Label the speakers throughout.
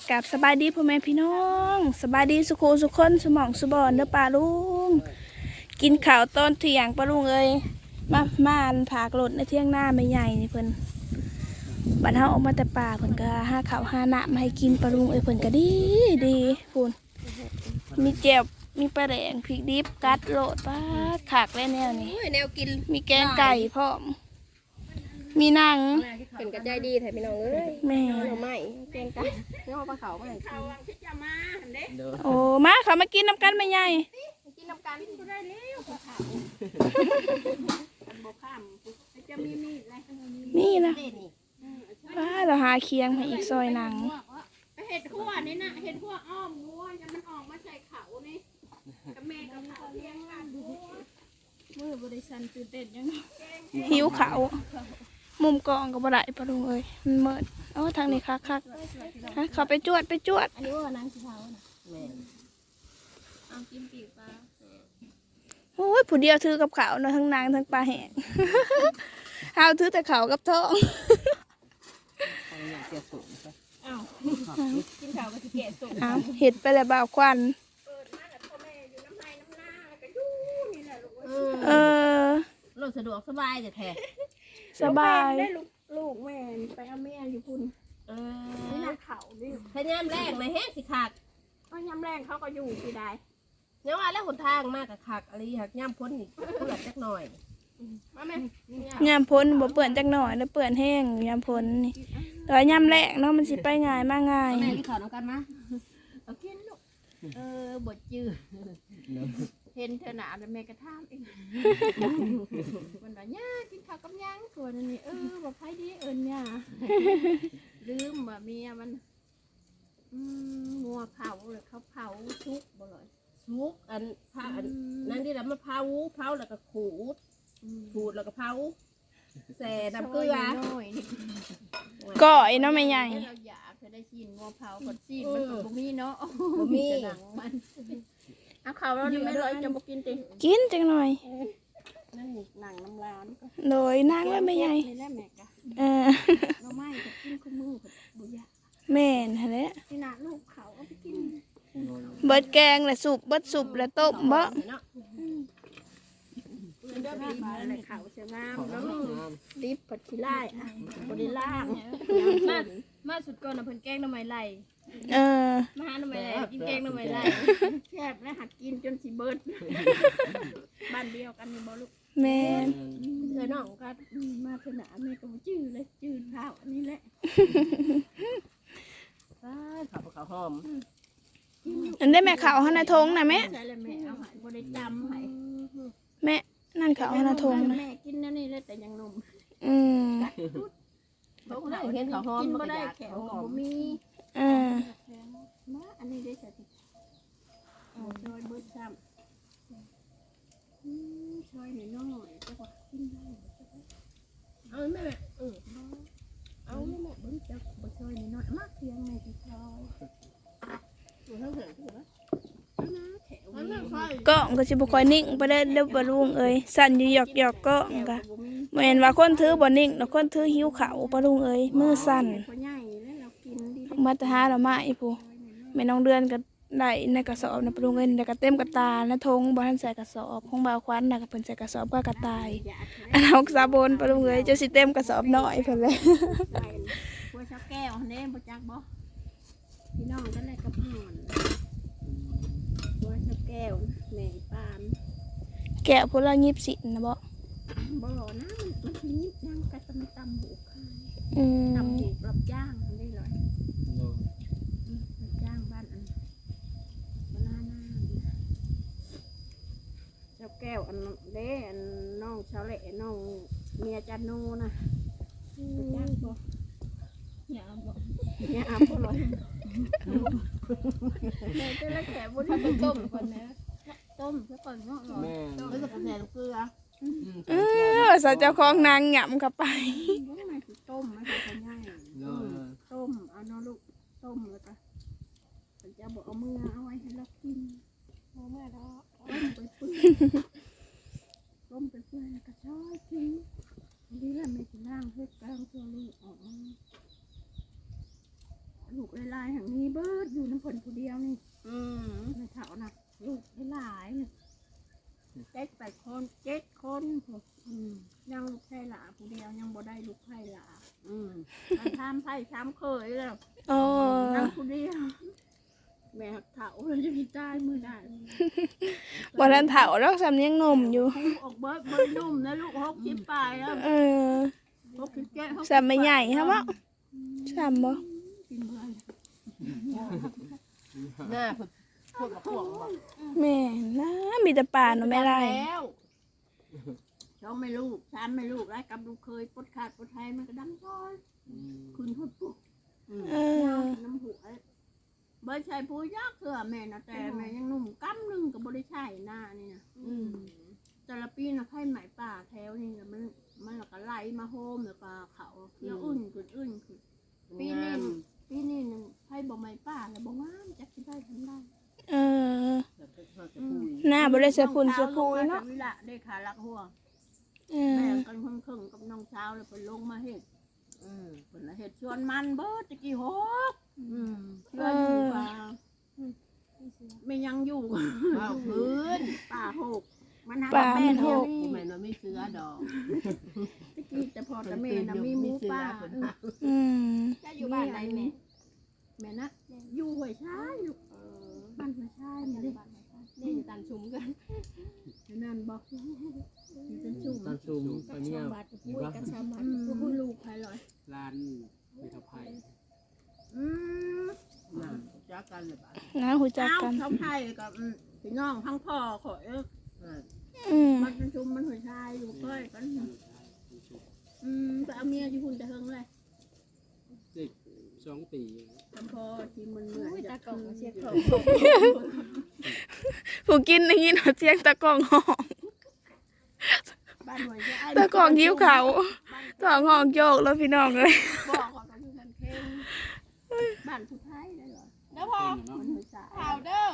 Speaker 1: กับสบายดีพ่อแม่พี่น้องสบายดีสุโขสุคนสมองสุบอนเด้อป่าลุงกินข้าวตอนเที่ยงป่าลุงเอ้ยมาผากรถในเที่ยงหน้าไม่ใหญ่นี่เพิ่นบัดเฮาออกมาแต่ป่าเพิ่นก็หาข้าวหาน้ำมาให้กินป่าลุงเอ้ยเพิ่นก็ดีพูนมีแจ่วมีปลาแดงพริกดิบกัดโลดป้าขากและแนวนี้
Speaker 2: แนวกิน
Speaker 1: มีแกงไก่พร้อมมีหนัง
Speaker 2: เป็นกระจายดีแถมพี่น้องเอ้ย
Speaker 1: แม่
Speaker 2: เราไม่แกงไก่เนื้อปลาเขาไม่เขาที่จะมาเด้
Speaker 1: โอ้มาเขามากินน้ำกันไม่ใหญ่
Speaker 2: กินน้ำกันก็ได้แล้วปลาเขาบกข้ามจะมีมีดอะไร
Speaker 1: นี่นะป้าเราหาเคียงให้อีกซอยหนัง
Speaker 2: เห็ดขั้วนี่นะเห็ดขั้วอ้อมงัวจะมันออกมาใส่เขานี่กับแม่กับเขาเลี้ยงกันมือบริษัทตื่นเต้นยัง
Speaker 1: หิวเขามุมกองก็บ่ได้ปะลุงเอ้ยมันเมิดทางนี้คักเขาไปจวด
Speaker 2: อันนี้ว่านางสีเทาแม่เอากินปีกปลา
Speaker 1: โอ้ยผู้เดียวถือกับเขาเนาะทั้งนางทั้งปลาแห้งเอาถือแต่เขากับท้อง
Speaker 2: กินข้าวก็สิแก่สุก
Speaker 1: เห็ดไปแล้วบ่าวควัน
Speaker 2: รถสะดวกสบายแต่แท้
Speaker 1: สบาย
Speaker 2: ได้ลูกแม่ไปเอาแม่อยู่พุ่นนี่น่าเขาดิถ้ายามแรงในแห้งสิขาดก็ยามแรงเขาก็อยู่ที่ใดเนี่ยว่าแล้วหนทางมากกับขากอะไรหักย่ำพ้นอีกเปื่อนจักหน่อยมาแม่
Speaker 1: ยามพ้นบ่เปื่อนจักหน่อยแล้วเปื่อนแห้งยามพ้นนี่แต่ยามแรกเนาะมันสิไปง่ายมาง่าย
Speaker 2: แม่ที่ขอน้องกันมาเอากินลูกบดจืดเห็นเธอหนาแต่แม่กระทำเองวันนั้นย่ากินข้าวกับย่างส่วนนี้บอกใครดีเนี่ยลืมว่าเมียมันงัวเผาเลยเขาเผาชุกบ่เลยชุกอันนั่นที่แล้วมาเผาแล้วก็ขูดแล้วก็เผาแส่น้ำเกลือ
Speaker 1: ก่อยเนาะไม่ใหญ่
Speaker 2: เราอยากจะได้ชินงัวเผาก่อนชินมันกับบุมีเนาะบุมีหนังมันเอาเขาเราไม่ร้อยจะบอกกินติ
Speaker 1: กินจังหน่อย
Speaker 2: นั่นหนังน้ำร้าน
Speaker 1: โดยนั่งแล้วไม่ใหญ่
Speaker 2: นี่แหละแม่กะเราไม่จะกินข้าวมือบุญยา
Speaker 1: แม่นฮะเนี่ย
Speaker 2: นี่นะลูกเขาเอาไปกิน
Speaker 1: เบิดแกงและสุบเบิดสุบและต้มบ่
Speaker 2: เดินไปอะไรเขาเสียงามแล้วลิฟผัดขี้ไล่บริล่างมาสุดก่อนนะเพิ่นแกงน้ำไม้ไหลมาหาน้ำไม้ไหลกินแกงน้ำไม้ไหลแคบและหัดกินจนสิเบิดบ้านเดียวกันมีบ่ลูก
Speaker 1: แม่
Speaker 2: น้องก็มาถนาแม่ก็จื้อเลยจื้อเท้าอันนี้แหละข้าวหอม
Speaker 1: อันได้แม่ขาวหน้าทงนะแม่
Speaker 2: ใช่เลยแม่เอาหายบริจำให้
Speaker 1: แม่นั่นขาวหน้าทงนะ
Speaker 2: แม่กินนั่นนี่เลยแต่ยังนม
Speaker 3: เขาเห็นเขาหอม
Speaker 2: กินก็ได้แขวก็มีมาอันนี้ได้ใส่ช่วยเบิดซ้ำช่วยหน่อยน้อยจะกว่ากินได้เอาแม่เอาแม่เบิ้งจะบ่ช่วยหน่อยน้อยมากเพียงแม่จะช่วยอยู่ทั้งเหือ
Speaker 1: ก็สิบ่ค่อยนิ่งไปได้เด้อบ่ลุงเอ้ยสั่นอยู่หยอกก็ก็แม่นว่าคนถือบ่นิ่งแล้วคนถือหิวข้าวบ่ลุงเอ้ยมือสั่นมาแต่หาเรามาอีผู้แม่น้องเดือนก็ได้ในกระสอบนะบ่ลุงเอ้ยแล้วก็เต็มกระตานะทงบ่ทันใส่กระสอบของบ่าวควันน่ะก็เพิ่นใส่กระสอบก็กระต่ายอันเอาซาบนบ่ลุงเอ้ยจะสิเต็มกระสอบน้อยเพิ่นเลย
Speaker 2: บัวชาแก้วเด้บ่จักบ่พี่น้องกันได้กับห่อนแก้วแม่ปาน
Speaker 1: แกะพวกเรายิบสินะบ่
Speaker 2: นะมันยิบย่างกระตำตำบุกตำบุกรับย่างได้เลยรับย่างบ้านอันหน้าเจ้าแก้วอันเด้อันน้องชาวเล่น้องเมียจันโนนะย่างบ่เนี่ยอาบ่ลอยแม่จะละแขกบุญทำต้มก่อนนะต้มซะก่อนเนาะแล้วก็ใส่เกลือ
Speaker 1: ใส่เจ้าของนางหยำเข้าไป
Speaker 2: ต้มไม่ใช่ง่ายต้มเอาเนาะลูกต้มแล้วก็ฉันจะบอกเอามือเอาไว้ให้เรากินเอาเมื่อเราต้มไปเพื่อนก็ชอบกินนี่แหละไม่กินล่างเพื่อกลางตัวลูกลูกหลายๆอย่างนี้เบิดอยู่น้ำผลผู้เดียวนี่ไม่เท่านะลูกหลายๆนี่7 คนยังลูกไผ่หลาผู้เดียวยังบ่ได้ลูกไผ่หลามันทำไผ่ช้ำเคยแล้ว
Speaker 1: โอ้
Speaker 2: นั่งผู้เดียวแม่เฒ่าเลยจะมีตายมือได้
Speaker 1: บ่ทันเฒ่าดอกซ้ำยังหนุ่มอยู่
Speaker 2: คู่ออกเบิดนุ่มนะลูก60ปลายแล้ว
Speaker 1: เออ
Speaker 2: 67
Speaker 1: ซ้ำไม่ใหญ่ฮะบ่ซ้ำบ่
Speaker 2: กินเบื่อ
Speaker 3: หน้าพวกกับพวกบ่
Speaker 1: แม่นะมีแต่ป่าเนาะแม่ไร
Speaker 2: แล้วช่องไม่ลูกช้ำไม่ลูกไรกับลูกเคยปดขาดปดไทยมันก็ดำซอยคุณพูดปุ๊บ
Speaker 1: เออ
Speaker 2: น้ำหัวเบิร์ดใช้ผู้ยากเถอะแม่นะแต่แม่ยังหนุ่มกำนึงกับบริชัยหน้านี่นะแต่ละปีนะไผ่ไหมป่าแถวนี่นะมันแล้วก็ไหลมาโฮมแล้วก็เขาเที่ยวอุ่นขึ้นปีนี้นึงไผ่บ่ไหมป่าแล้วบ่งามจักสิได้ทำได้
Speaker 1: เออหน้าบ่ได้เสะพุ่นเสะพูยเนาะ
Speaker 2: วิละได้ขาลักหัว
Speaker 1: เอ
Speaker 2: แม่
Speaker 1: อ
Speaker 2: กันครึ่งกับน้องเช้าเลยเพิ่นลงมาเฮ็ดเพิ่นเฮ็ดชวนมันเบิดตะกี้หกเชื่ออยู่ว่าไม่ยังอยู่ว่าพื้นป่าหกมันหาแม่หก
Speaker 3: ที่มันไม่เสือดอก
Speaker 2: ตะกี้แต่พอแต่แม่น่ะมีหมูป่า
Speaker 1: อืม
Speaker 2: จะอยู่บ้านไหนแม่นะอยู่ห้วยชายอยู่บ้านห้วยชายนี่ดิ
Speaker 4: นี่อยู่ตันชุมกัน
Speaker 2: นั่นบอกอยู่เป็นชุ่ม
Speaker 3: ตอนซูมไป
Speaker 4: กับ
Speaker 3: เนี่
Speaker 4: ชาวย บัดกับปุ้ยกันชาวบัด
Speaker 2: ก็คุณลูกใครลอย
Speaker 3: ร้านเมทัลไพ น่าจักกันเลยบ้าน
Speaker 1: นะหูจัก
Speaker 2: เอ้า
Speaker 1: กัน
Speaker 2: เขาไทยกับพี่น้องทั้งพ่อขอย
Speaker 1: อืม
Speaker 2: มันเป็นชุมมันหัวชายอยู่ก้อยกันไปเอาเมียที่คุณจะเฮงเลย
Speaker 3: เด็ก2 ปี
Speaker 2: ทั้งพ่อที่มันเหมือน
Speaker 4: ปุ้ยตากล่องเสียของ
Speaker 1: ผู้กินอย่างนี้เนาะเสียงตะกร้องห้อง
Speaker 2: บ้านหัวชาย
Speaker 1: ตะกร้องหิ้วเขาท้องห้องโยกแล้วพี่น้องเลย
Speaker 2: บอกก่อนก็คือมันเพ่งบ้านผู้ไทยได้เหรอ
Speaker 4: แล้วพอ
Speaker 2: มันหัวชาย
Speaker 4: ข่าวเด้อ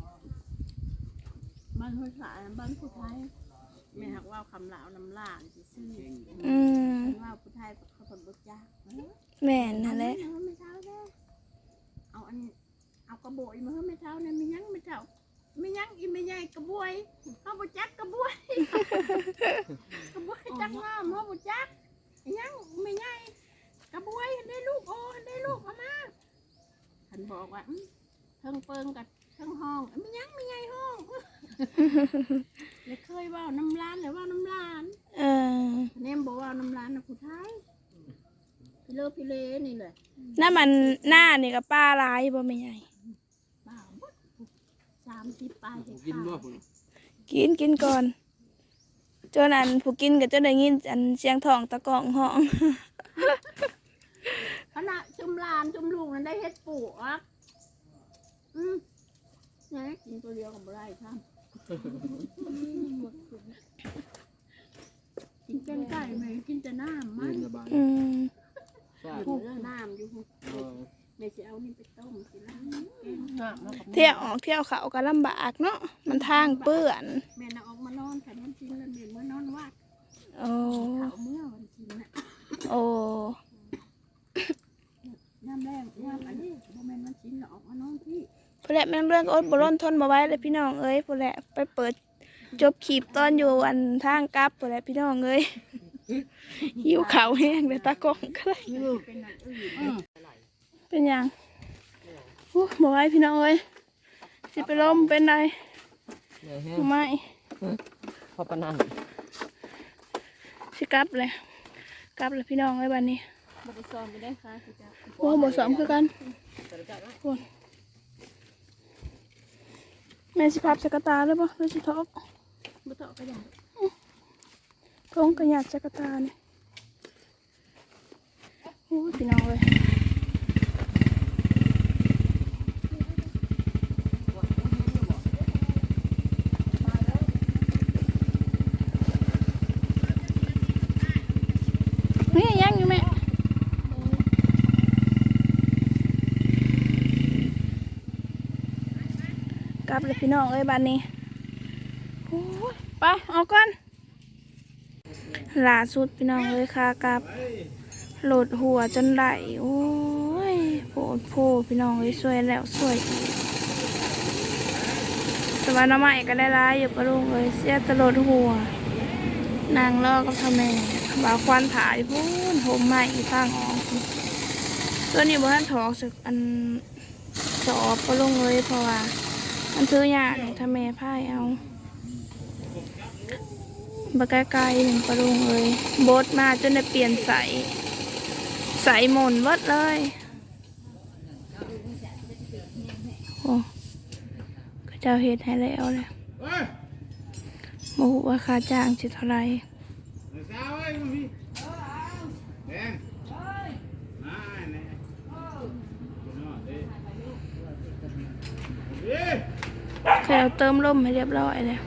Speaker 2: บ้านหัวชายบ้านผู้ไทยแม่หักว่าคำลาวน้ำลานสิซื้อ
Speaker 1: อืม
Speaker 2: ว่าผู้ไทยเขาผลบุจ้า
Speaker 1: แม่นนั่นแหละ
Speaker 2: ไม่เช้าแน่เอาอันเอากระบวยมาให้ไม่เช้าเนี่ยไม่ยั้งไม่เช้าไม่ยั้งอีไม่ใหญ่กระบวยเขาบุจักกระบวยกระบวยจังงามเขาบุจักยังไม่ใหญ่กระบวยได้ลูกโอ้ได้ลูกเอามาฉันบอกว่าเทิงเปิงกับเทิงห้องไม่ยั้งไม่ใหญ่ห้องเลยเคยว่าน้ำร้านหรือว่าน้ำร้าน
Speaker 1: เออ
Speaker 2: เนมบอกว่าน้ำร้านนะผู้ไทยพี่เลอพี่เลนี่เลย
Speaker 1: น้ามันหน้านี่กับป้าร้ายบ่ไม่ใหญ่
Speaker 2: บ้าหมด30 ปลาย
Speaker 3: กินบ่พุ่น
Speaker 1: กินก่อนจนอันผู้กินก็จะได้ยินอันเสียงท้องตะกร้องห้อง
Speaker 2: ขณะจุมลานจุมลูกนั้นได้เฮ็ดปลูกอ่ะเนี่ยกินตัวเดียวกับบ่ได้ท่านกินเป็นไก่ไหมกินแต่น้ำมัน
Speaker 3: สบาย
Speaker 1: อืม
Speaker 3: ใช่
Speaker 2: ผูกน้ำอยู่แม่จะเอานี่ไปต้มกินแล้ว
Speaker 1: เที่ยวออกเที่ยวเขาก็ลำบากเนาะมันทางเปื้อน
Speaker 2: แม่น่ะออกมานอนแต่มันกินแล้วแม่เมื่อนอนวัด
Speaker 1: โอ้
Speaker 2: เขาเมื่อวันกินน่ะ
Speaker 1: โอ้
Speaker 2: น้ำแรงน้ำอันนี้บ่แม่นมันกินแล้วออกมานอนพี่
Speaker 1: ผู้แหละแม่งเรื่องก็อดบ่ร้นทนบ่ไหว้เลยพี่น้องเอ้ยผู้แหละไปเปิดจบขีบตอนอยู่อันทางกลับผู้แหละพี่น้องเอ้ยหิวข้าวแห้งเลยตากล้องก็เลย
Speaker 2: เป็นอันอื่น
Speaker 1: เป็นหยังอู้บ่ไหว้พี่น้องเอ้ยสิไปล้มเป็นไรไม่
Speaker 3: พอปนัน
Speaker 1: สิกลับเลยพี่น้องเอ้ยบัดนี้
Speaker 4: บ่ได้ซ้อมไปได้ค่ะสิจ้า
Speaker 1: โอ้บ่ซ้อมคือกันคนแม่สิพับสกตาเลยบ่หรือสิทอก
Speaker 2: บ่เตาะก็ยัง
Speaker 1: กงกระหยัดสกตานี่โอ้ยพี่น้องเอ้ยนี่ยังอยู่แม่กลับเลยพี่น้องเอ้ยบ้านนี้โอ้ยไปเอาก่อนล่าสุดพี่น้องเอ้ยค่ะกลับโหลดหัวจนไหลโอ้ยฝโพพี่น้องเลยสวยแล้วสวยอีกแต่ว่าน้ำใหม่ก็ได้ร้ายอยู่ปะลุงเลยเสียตลอดหัวนางลอกกับทำแม่บ่าวควันถ่ายพูนโหมใหม่อีกข้างออกตัวนี้บ่ทันถอกสึกอันสอบปะลุงเลยเพราะว่ามันซื้อยากทำแม่พ่ายเอาบะไกลๆหนึ่งปะลุงเลยโบดมาจนได้เปลี่ยนใสหม่นเบิดเลยโอ้ก็เจ้าเฮ็ดให้แล้วเลยบ่ฮู้ว่าค่าจ้างสิเท่าไหร่เคยเอาเติมลมให้เรียบร้อยเลย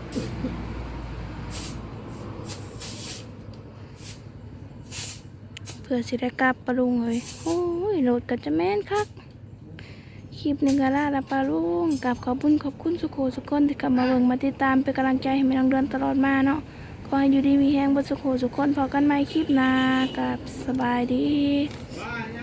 Speaker 1: เพื่อสิได้กลับปะลุงเลยโอ้ยรถก็จะแม่นคักคลิปหนึ่งก็ลาละปะลุงกับขอบคุณสุโขสุกคนที่กลับมาเบิ่งมาติดตามเป็นกำลังใจให้แม่น้องเดือนตลอดมาเนาะขอให้อยู่ดีมีแฮงบนสุโขสุกคนพอกันใหม่คลิปหน้ากับสบายดี
Speaker 5: Bye.